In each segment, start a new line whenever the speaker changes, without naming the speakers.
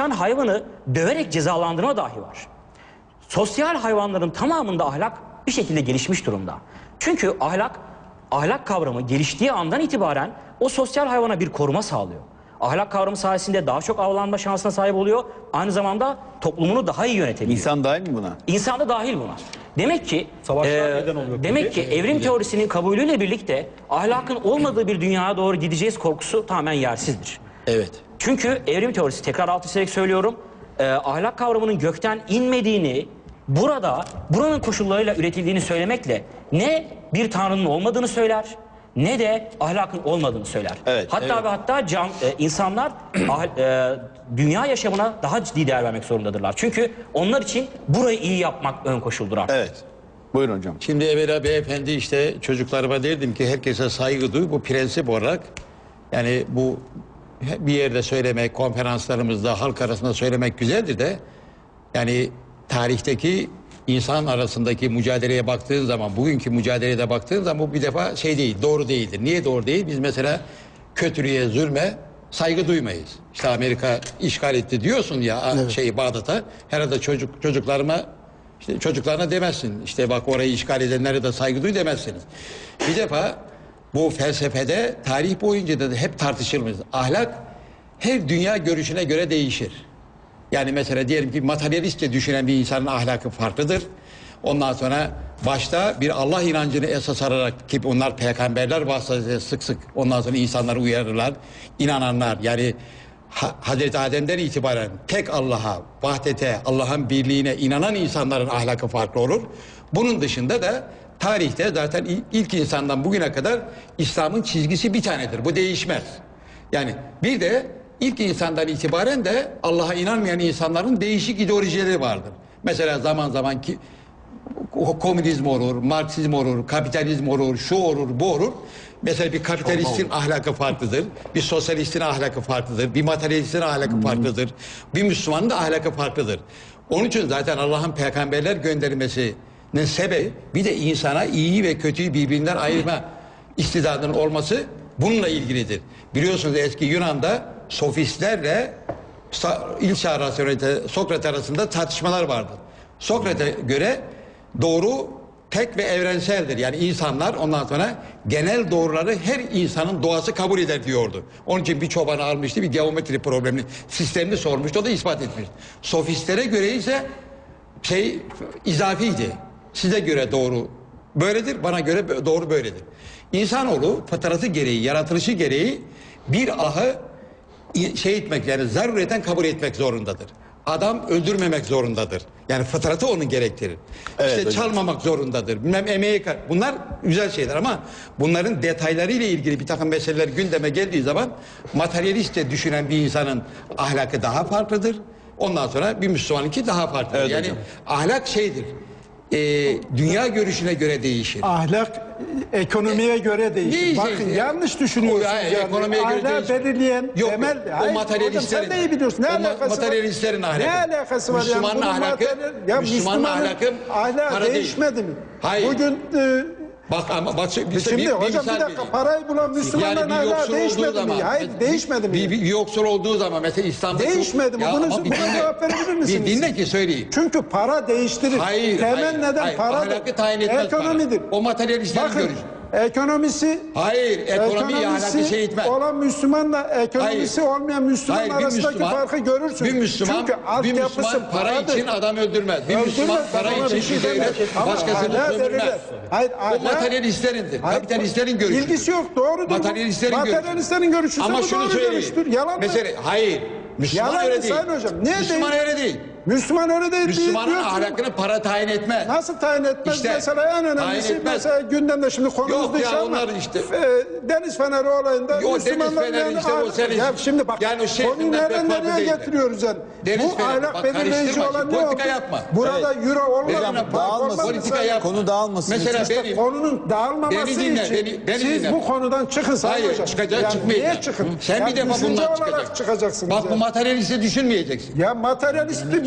yaşayan hayvanı döverek cezalandırma dahi var. Sosyal hayvanların tamamında ahlak bir şekilde gelişmiş durumda. Çünkü ahlak kavramı geliştiği andan itibaren o sosyal hayvana bir koruma sağlıyor. Ahlak kavramı sayesinde daha çok avlanma şansına sahip oluyor. Aynı zamanda toplumunu daha iyi yönetebiliyor.
İnsan dahil mi buna?
İnsan da dahil buna. Demek ki evrim teorisinin kabulüyle birlikte ahlakın olmadığı bir dünyaya doğru gideceğiz korkusu tamamen yersizdir.
Evet.
Çünkü evrim teorisi, tekrar alt çizerek söylüyorum, ahlak kavramının gökten inmediğini, buranın koşullarıyla üretildiğini söylemekle ne bir tanrının olmadığını söyler, ne de ahlakın olmadığını söyler.
Evet,
hatta ve hatta insanlar dünya yaşamına daha ciddi değer vermek zorundadırlar. Çünkü onlar için burayı iyi yapmak ön koşuldur artık.
Evet. Buyurun hocam.
Şimdi evvela beyefendi işte çocuklarıma derdim ki herkese saygı duy. Bu prensip olarak yani bu bir yerde söylemek, konferanslarımızda halk arasında söylemek güzeldir de yani tarihteki insan arasındaki mücadeleye baktığın zaman, bugünkü mücadeleye de baktığın zaman bu bir defa şey değil, doğru değildir. Niye doğru değil? Biz mesela kötülüğe, zulme saygı duymayız. İşte Amerika işgal etti diyorsun ya evet. Bağdat'a. Herhalde çocuklarına demezsin. İşte bak orayı işgal edenlere de saygı duy demezsiniz. Bir defa bu felsefede tarih boyunca da hep tartışılmış. Ahlak her dünya görüşüne göre değişir. Yani mesela diyelim ki materyalistçe düşünen bir insanın ahlakı farklıdır. Ondan sonra başta bir Allah inancını esas alarak ki onlar peygamberler vasıtasıyla sık sık ondan sonra insanları uyarırlar. İnananlar yani Hazreti Adem'den itibaren tek Allah'a, vahdete, Allah'ın birliğine inanan insanların ahlakı farklı olur. Bunun dışında da tarihte zaten ilk insandan bugüne kadar İslam'ın çizgisi bir tanedir. Bu değişmez. Yani bir de ilk insandan itibaren de Allah'a inanmayan insanların değişik ideolojileri vardır. Mesela zaman zaman ki komünizm olur, Marksizm olur, kapitalizm olur, şu olur, bu olur. Mesela bir kapitalistin ahlakı farklıdır, bir sosyalistin ahlakı farklıdır, bir materyalistin ahlakı farklıdır, bir Müslümanın da ahlakı farklıdır. Onun için zaten Allah'ın peygamberler göndermesinin sebebi bir de insana iyiyi ve kötüyü birbirinden ayırma istidadının olması bununla ilgilidir. Biliyorsunuz eski Yunan'da sofistlerle ilk çağ rasyonelite Sokrat arasında tartışmalar vardı. Sokrat'a göre doğru tek ve evrenseldir. Yani insanlar ondan sonra genel doğruları her insanın doğası kabul eder diyordu. Onun için bir çobanı almıştı, bir geometri problemini, sistemini sormuştu, o da ispat etmiş. Sofistlere göre ise izafiydi. Size göre doğru böyledir, bana göre doğru böyledir. İnsanoğlu fıtratı gereği, yaratılışı gereği bir ahı etmek yani zarureten kabul etmek zorundadır. Adam öldürmemek zorundadır. Yani fıtratı onun gerektirir. Evet, işte hocam. Çalmamak zorundadır. Bilmem emeği bunlar güzel şeyler ama bunların detaylarıyla ilgili bir takım meseleler gündeme geldiği zaman materyalistçe düşünen bir insanın ahlakı daha farklıdır. Ondan sonra bir Müslümanınki daha farklıdır. Evet, yani hocam. Ahlak şeydir. Dünya görüşüne göre değişir.
Ahlak ekonomiye göre değişir. Bakın yanlış düşünüyorsunuz.
Ekonomiye göre
ahlak belirleyen temel.
O materyalistlerin.
Sen de iyi biliyorsun. Ne alakası
materyalistlerin ahlakı.
Ne alakası var?
Müslümanın ahlakı. Müslümanın ahlakı
ahlak değişmedi mi?
Hayır.
Bugün
bak
şimdi hocam bir dakika parayı bulan Müslümanların ahlakı değişmedi mi? Hayır değişmedi mi?
Bir yoksul olduğu zaman mesela İslam'da
değişmedi mi? Buna cevap verebilir misiniz?
Bir dinle ki söyleyeyim.
Çünkü para değiştirir. Temel neden paradır?
Ahlakı tayin etmez.
Ekonomidir.
O materyalistlerin görüşü.
Ekonomisi
ekonomi ahlakı şey etmez.
Olan Müslümanla ekonomisi olmayan Müslüman arasındaki farkı görürsün.
Bir Müslüman para için adam öldürmez. Bir Müslüman para için başkasını sömürmez. O materyalistlerindir. Kapitalistlerin görüşü.
İlgisi yok, doğrudur. Materyalistlerin görüşü.
Ama şunu söyleyeyim.
Yalan mı?
Hayır. Müslüman öyle değil. Müslüman öyle değil.
Müslüman öyle değil.
Müslümanın ahlakını para tayin etmez.
Nasıl tayin etmez? İşte, mesela en önemlisi mesela gündemde şimdi konumuz dışı ama Deniz Feneri olayında Müslümanların
ya
şimdi bak
yani
konuyu nereye getiriyoruz yani? Bu ahlak belirleyici olan ne oldu? Burada euro olmadan
politika yapma. Konu dağılmasın.
Mesela konunun dağılmaması için siz bu konudan çıkın Sayın Hocam.
Hayır çıkacak çıkmayacak.
Niye çıkın?
Sen bir defa bundan çıkacaksın.
Çıkacaksınız.
Bak bu materyalisti düşünmeyeceksin.
Ya materyalisti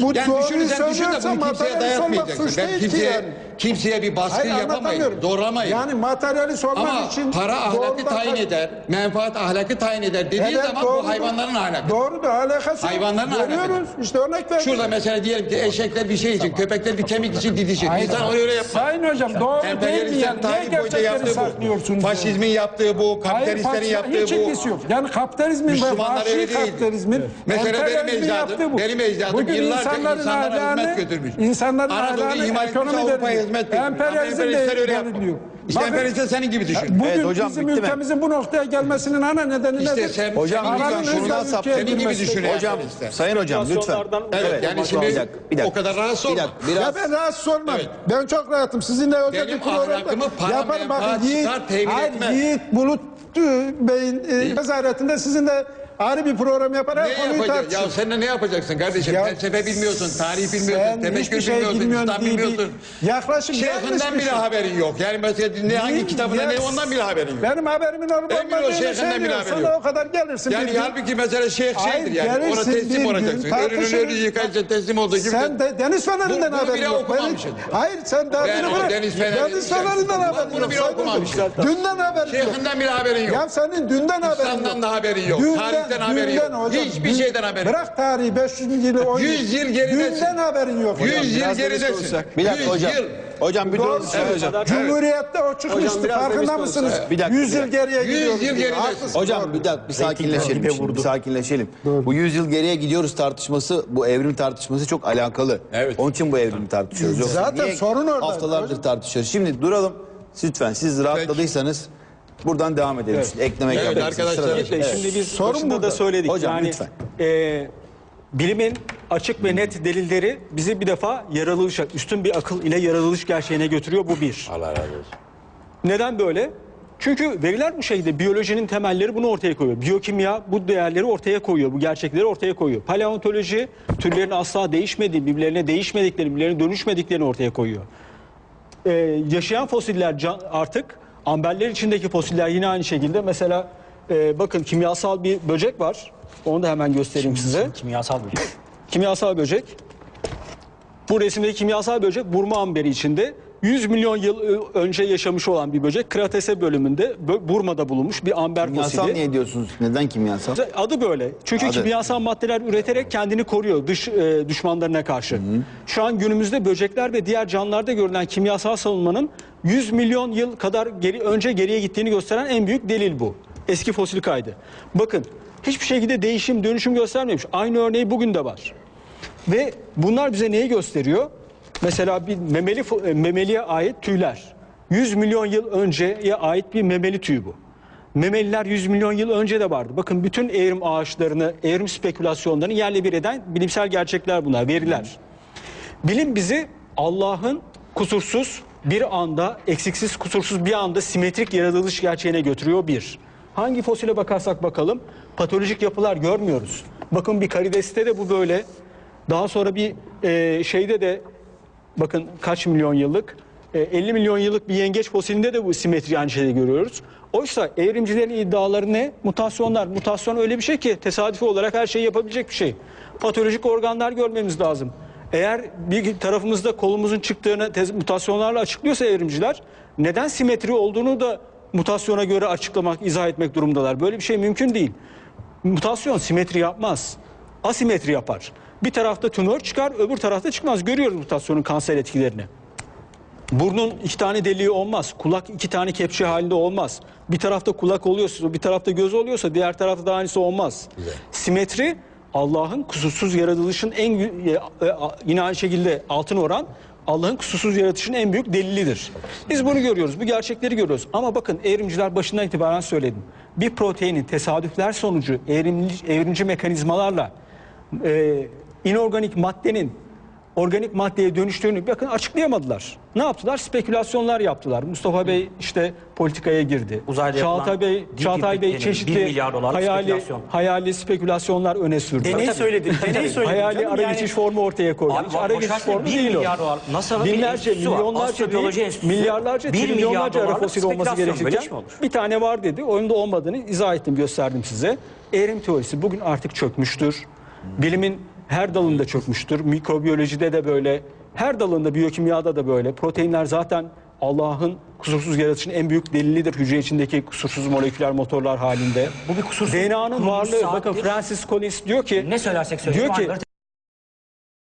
Bu
Yani
doğruyu
düşünürsen düşün de
söylüyorsa
bunu kimseye
materyalist olmak
dayatmayacaksın.
suç
Ben
değil ki yani.
kimseye bir baskı
Hayır,
yapamayız,
anlatamıyorum.
zorlamayız.
Yani materyalist olmak
Ama
için
para ahlakı
doğrudan-
tayin eder, menfaat ahlakı tayin eder dediği
Evet,
zaman
doğrudur.
bu hayvanların ahlakı.
Doğrudur, alakası yok.
Hayvanların
Görüyoruz.
ahlakı.
İşte örnek verdim.
Şurada mesela diyelim ki eşekler bir şey için, köpekler bir kemik için didişir. İnsan onu öyle yapmaz.
Sayın hocam doğru değil mi
Emperyalistlerin
yani? Niye
tarih boyunca
gerçekleri
yaptığı bu.
saklıyorsunuz?
Faşizmin yaptığı bu, kapitalistlerin yaptığı
hiç
bu.
ilgisi yok. Yani kapitalizmin ve
Müslümanlar öyle
vahşi
değildi.
kapitalizmin
Mesela
emperyalizmin yaptığı bu.
benim ecdadım
Bugün
yıllarca
insanların
insanlara
ahlakını-
hizmet götürmüş.
İnsanların
Anadolu'yu
ahlakını
ihmal etmiş,
ekonomi
Avrupa'ya
belirliyor.
hizmet götürmüş.
Emperyalizm
Emperyalistler öyle
de
yaptı.
belirliyor.
İşte
Bakın,
emperyalistler senin gibi düşün.
Bugün
Evet, hocam,
bizim
bitti mi?
ülkemizin bu noktaya gelmesinin ana nedeni
İşte
nedir?
sen,
Hocam,
senin
Paranın
gibi
şundan
ülke
saptın.
senin gibi
girmesi.
düşünüyor.
Hocam,
emperyalistler.
sayın hocam lütfen.
Evet, yani şimdi
bir dakika.
o kadar rahatsız olma.
Ya ben rahatsız olmam.
Evet.
Ben çok rahatım. Sizinle özel
Benim
bir programda
ahlakımı para,
yaparım. Bakın
menfaat, çıkar temin
hayır,
etmez.
Yiğit Bulut Bey'in nezaretinde sizinle ayrı bir program yapar.
Ne
Her konuyu
yapacaksın? Ya
tartışır.
sen de ne yapacaksın kardeşim?
Ya
Felsefe bilmiyorsun, tarih bilmiyorsun,
Sen
tefekkür
hiçbir şey
bilmiyorsun,
bilmiyorsun
İslam
diye bir
bilmiyorsun.
yaklaşım yanlış
Şeyhinden
bir
bile
şey.
haberin yok. Yani mesela hangi kitabında ne ondan bile haberin yok.
Benim haberimin olup
Emin ol,
olmadığını
şeyhinden bile
söylüyorum.
haberi
Sana
yok.
o kadar gelirsin.
Yani
bir gün.
halbuki mesela şeyh
Hayır,
şeydir yani. Ona
gelirsin bir
teslim
gün,
olacaksın. Ölünün
tartışırız.
ölü yıkayınca teslim olduğu gibi.
Sen de Deniz Feneri'nden
Bunu
haberin
bile
yok.
okumamışsın.
Hayır sen
Ben
derdini
o
bırak.
Deniz Feneri-
Deniz Feneri'nden haberin
Bunu
yok.
bile
Sayın
okumamışsın.
hocam. Dünden haberin yok.
Şeyhinden bile haberin yok.
Ya senin dünden haberin yok.
İslam'dan da haberin yok. Tarihten haberin yok. Hiçbir şeyden haberin yok.
Bırak tarihi 500 yılı 10
100 yıl geridesin.
Dünden haberin yok.
100 yıl
biraz
geridesin.
Bir dakika
100
hocam.
yıl.
Hocam bir
Doğru
dur.
söylüyorsun. Cumhuriyette o çıkmıştı.
biraz
Farkında
dürüst
mısınız?
olsak. Bir dakika,
100 yıl
bir dakika.
geriye
100
gidiyoruz.
yıl geridesin.
Haklısın,
Hocam
doğru.
bir dakika bir sakinleşelim.
dibe
Şimdi,
vurdu.
bir sakinleşelim. Bu 100 yıl geriye gidiyoruz tartışması, bu evrim tartışması çok alakalı.
Evet.
Onun için bu evrimi tartışıyoruz. Yoksa
Zaten
niye
sorun orada.
haftalardır
Hocam.
tartışıyoruz. Şimdi duralım. Lütfen siz rahatladıysanız buradan devam edelim.
Evet.
Şimdi eklemek
Evet,
yapabilirsiniz.
arkadaşlar.
Sıra
Yiğit Bey,
dışı.
şimdi biz
Sorun
başında
burada.
da söyledik.
Hocam,
yani,
lütfen.
Bilimin açık ve net delilleri bizi bir defa yaratılışa, üstün bir akıl ile yaratılış gerçeğine götürüyor. Bu bir.
Allah razı olsun.
Neden böyle? Çünkü veriler bu şekilde. Biyolojinin temelleri bunu ortaya koyuyor. Biyokimya bu değerleri ortaya koyuyor. Bu gerçekleri ortaya koyuyor. Paleontoloji türlerin asla değişmediği, birbirlerine değişmediklerini, birbirlerine dönüşmediklerini ortaya koyuyor. Yaşayan fosiller artık amberler içindeki fosiller yine aynı şekilde. Mesela bakın kimyasal bir böcek var. Onu da hemen göstereyim size.
Kimyasal bir şey.
Kimyasal böcek. Bu resimdeki kimyasal böcek Burma amberi içinde 100 milyon yıl önce yaşamış olan bir böcek. Kratese bölümünde Burma'da bulunmuş bir amber
Kimyasal
fosili.
niye diyorsunuz? Neden kimyasal?
Adı böyle. Çünkü
Adı.
kimyasal maddeler üreterek kendini koruyor düşmanlarına karşı. Şu an günümüzde böcekler ve diğer canlılarda görülen kimyasal savunmanın 100 milyon yıl kadar önce geriye gittiğini gösteren en büyük delil bu. Eski fosil kaydı. Bakın hiçbir şekilde değişim, dönüşüm göstermemiş. Aynı örneği bugün de var. Ve bunlar bize neyi gösteriyor? Mesela bir memeliye ait tüyler. 100 milyon yıl önceye ait bir memeli tüy bu. Memeliler 100 milyon yıl önce de vardı. Bakın bütün evrim ağaçlarını, evrim spekülasyonlarını yerle bir eden bilimsel gerçekler bunlar, veriler. Bilim bizi Allah'ın kusursuz bir anda, eksiksiz kusursuz bir anda simetrik yaratılış gerçeğine götürüyor bir. Hangi fosile bakarsak bakalım patolojik yapılar görmüyoruz. Bakın bir karideste de bu böyle. Daha sonra bir şeyde de bakın kaç milyon yıllık 50 milyon yıllık bir yengeç fosilinde de bu simetri aynı şeyde görüyoruz. Oysa evrimcilerin iddiaları ne? Mutasyonlar. Mutasyon öyle bir şey ki tesadüfi olarak her şeyi yapabilecek bir şey. Patolojik organlar görmemiz lazım. Eğer bir tarafımızda kolumuzun çıktığını mutasyonlarla açıklıyorsa evrimciler neden simetri olduğunu da mutasyona göre açıklamak, izah etmek durumdalar. Böyle bir şey mümkün değil. Mutasyon simetri yapmaz. Asimetri yapar. Bir tarafta tümör çıkar, öbür tarafta çıkmaz. Görüyoruz mutasyonun kanser etkilerini. Burnun 2 tane deliği olmaz. Kulak 2 tane kepçe halinde olmaz. Bir tarafta kulak oluyorsa, bir tarafta göz oluyorsa diğer tarafta da aynısı olmaz. Güzel. Simetri Allah'ın kusursuz yaratılışın yine aynı şekilde altın oran Allah'ın kusursuz yaratışının en büyük delilidir. Biz bunu görüyoruz, bu gerçekleri görüyoruz. Ama bakın evrimciler başından itibaren söyledim. Bir proteinin tesadüfler sonucu evrimci mekanizmalarla inorganik maddenin organik maddeye dönüştüğünü bakın açıklayamadılar. Ne yaptılar? Spekülasyonlar yaptılar. Mustafa Bey işte politikaya girdi.
Uzayda
Çağatay Bey çeşitli
1 milyar dolarlık spekülasyon.
hayali spekülasyonlar öne sürdü.
Deney söyledim. Deney söyledim.
Hayali
canım.
ara
Yani-
geçiş formu ortaya koydu.
Abi,
Hiç ara geçiş
boşver,
formu
1
değil o.
milyar dolar. NASA'nın bir
Binlerce,
enstitüsü var.
milyonlarca
Astrobiyoloji
değil,
enstitüsü.
milyarlarca,
1 milyar
trilyonlarca ara
dolarlık
fosil olması
spekülasyon. Böyle iş mi
gerekirken
olur?
bir tane var dedi. Onun da olmadığını izah ettim, gösterdim size. Evrim teorisi bugün artık çökmüştür. Bilimin her dalında çökmüştür. Mikrobiyolojide de böyle, her dalında, biyokimyada da böyle. Proteinler zaten Allah'ın kusursuz yaratışının en büyük delilidir hücre içindeki kusursuz moleküler motorlar halinde.
Bu bir kusursuz
DNA'nın
kuruluş
varlığı,
saattir.
bakın Francis Collins diyor ki,
Ne söylersek söyleyelim
diyor ki
aynıları